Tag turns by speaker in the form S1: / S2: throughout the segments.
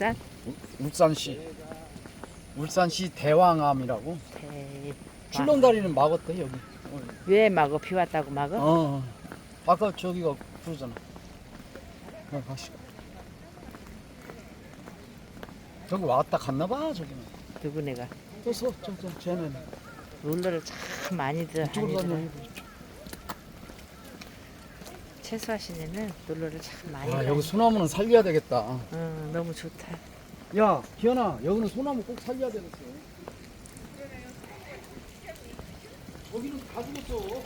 S1: 울산?
S2: 울산시 대왕암이라고.
S1: 대...
S2: 출렁다리는 막았대 여기.
S1: 왜 막어? 비 왔다고 막어?
S2: 아까 저기가 그러잖아. 가시고. 저기 왔다 갔나봐 저기는.
S1: 누구네가?
S2: 됐어 쟤는.
S1: 롤러를 참 많이들
S2: 이쪽으로
S1: 다니더라.
S2: 다녀.
S1: 채수하신 애는 롤러를 참 많이
S2: 아
S1: 다니.
S2: 여기 소나무는 살려야 되겠다.
S1: 너무 좋다.
S2: 야 기현아 여기는 소나무 꼭 살려야 되겠어. 여기는 다 죽었어.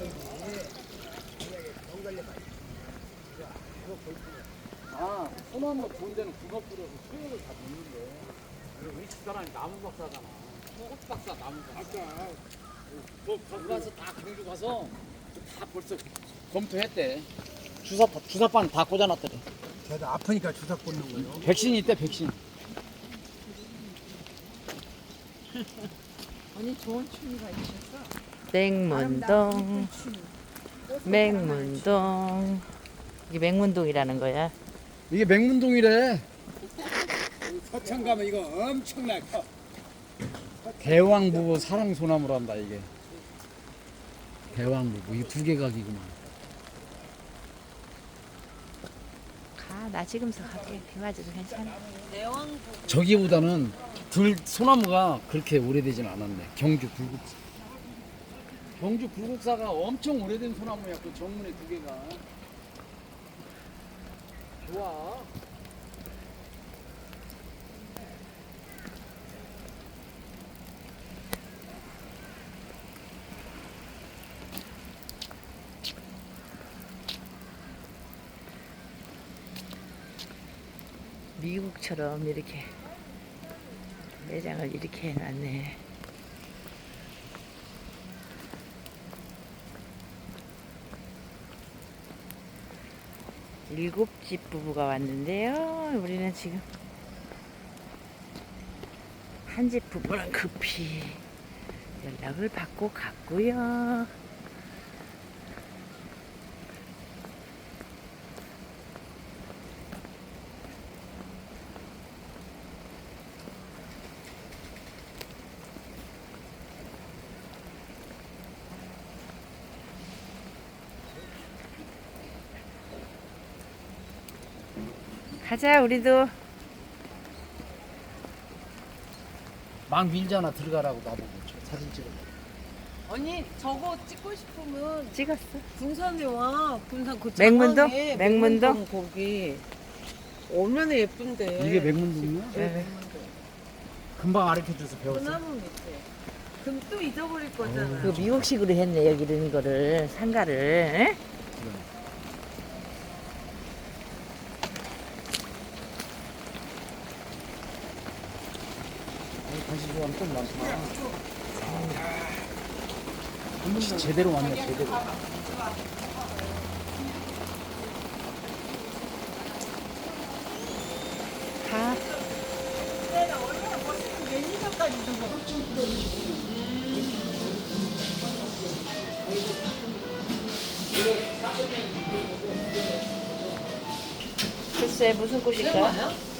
S2: 아 소나무 좋은 데는 군어 뿌려서 수액을 다 넣는데. 그리고 우리 집사람이 나무 박사잖아. 꽃 박사 나무 박사. 아까 거기 가서 다 경주 가서 다 벌써 검토했대. 주사판 다 꽂아놨더래.
S3: 걔도 아프니까 주사 꽂는 거예요.
S2: 백신이 있대 백신.
S4: 언니 좋은 취미가 있었어?
S1: 맹문동, 맹문동. 이게 맹문동이라는 거야.
S2: 이게 맹문동이래.
S3: 서천 가면 이거 엄청나 커.
S2: 대왕부부 사랑소나무란다 이게. 대왕부부 이 두 개 각이구만.
S1: 가, 나 지금서 갈게. 비 맞아도 괜찮아.
S2: 저기보다는 소나무가 그렇게 오래되진 않았네. 경주 굴국사. 경주 굴국사가 엄청 오래된 소나무야. 그 정문에 두 개가. 좋아.
S1: 미국처럼 이렇게 매장을 이렇게 해놨네. 일곱 집 부부가 왔는데요. 우리는 지금 한 집 부부랑 급히 연락을 받고 갔고요. 가자 우리도.
S2: 막 밀잖아. 들어가라고 나보고 사진 찍어.
S4: 언니 저거 찍고 싶으면
S1: 찍었어.
S4: 군산에 와. 군산 그
S1: 맹문동?
S4: 장안에
S1: 맹문동?
S4: 거기 얼마나 예쁜데.
S2: 이게 맹문동이야?
S4: 네.
S2: 금방 가르쳐줘서 배웠어.
S4: 소나무 밑에. 그럼 또 잊어버릴 거잖아.
S1: 그 미국식으로 했네 여기 이런 거를 상가를. 에?
S2: 관심 좋아하는 좀 많구나. 제대로 왔네 제대로.
S1: 가. 글쎄 무슨 꽃일까?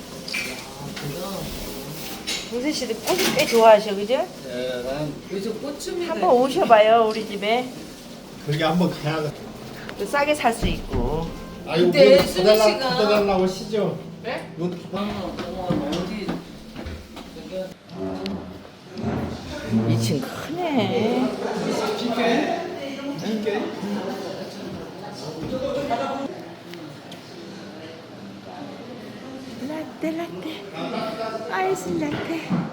S1: 동세 씨도 꽃을 꽤 좋아하셔, 그죠?
S3: 예, 난
S4: 요즘 꽃춤이가
S1: 한번 오셔봐요 우리 집에.
S3: 거기 한번 가야 돼.
S1: 또 싸게 살 수 있고.
S3: 아이고,
S4: 근데
S3: 문
S4: 순희
S3: 닫아달라-
S4: 씨가-
S3: 닫아달라고 하시죠.
S4: 네?
S3: 문
S4: 어디
S1: 2층 크네. 라떼 라떼 아이스 라떼.